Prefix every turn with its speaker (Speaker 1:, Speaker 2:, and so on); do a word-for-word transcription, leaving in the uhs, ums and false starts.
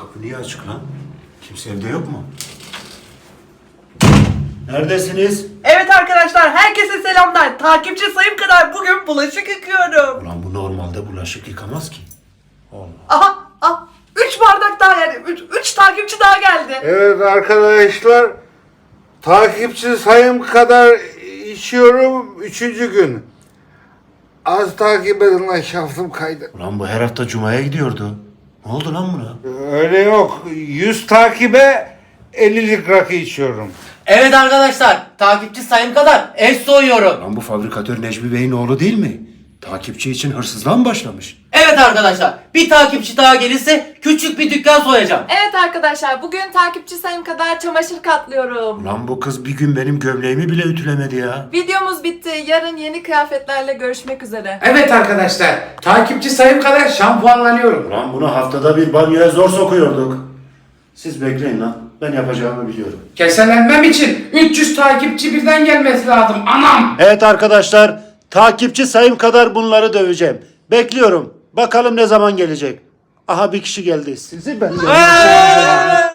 Speaker 1: Kapı niye açık lan? Kimse evde yok mu? Neredesiniz?
Speaker 2: Evet arkadaşlar, herkese selamlar. Takipçi sayım kadar bugün bulaşık yıkıyorum.
Speaker 1: Ulan bu normalde bulaşık yıkamaz ki. Allah.
Speaker 2: Aha, ah, üç bardak daha yani, üç, üç takipçi daha geldi.
Speaker 3: Evet arkadaşlar, takipçi sayım kadar içiyorum üçüncü gün. Az takip edin lan, şaftım kaydı.
Speaker 1: Ulan bu her hafta Cuma'ya gidiyordu. Ne oldu lan buna?
Speaker 3: Öyle yok. yüz takibe ellilik rakı içiyorum.
Speaker 4: Evet arkadaşlar, takipçi sayım kadar ev soyuyorum.
Speaker 1: Lan bu fabrikatör Necmi Bey'in oğlu değil mi? Takipçi için hırsızlığa mı başlamış?
Speaker 4: Evet arkadaşlar, bir takipçi daha gelirse küçük bir dükkan soyacağım.
Speaker 5: Evet arkadaşlar, bugün takipçi sayım kadar çamaşır katlıyorum.
Speaker 1: Ulan bu kız bir gün benim gömleğimi bile ütülemedi ya.
Speaker 5: Videomuz bitti. Yarın yeni kıyafetlerle görüşmek üzere.
Speaker 6: Evet arkadaşlar, takipçi sayım kadar şampuanlanıyorum.
Speaker 1: Ulan bunu haftada bir banyoya zor sokuyorduk. Siz bekleyin lan. Ben yapacağımı biliyorum.
Speaker 6: Keselenmem için üç yüz takipçi birden gelmesi lazım anam.
Speaker 1: Evet arkadaşlar, takipçi sayım kadar bunları döveceğim. Bekliyorum. Bakalım ne zaman gelecek. Aha bir kişi geldi. Sizi ben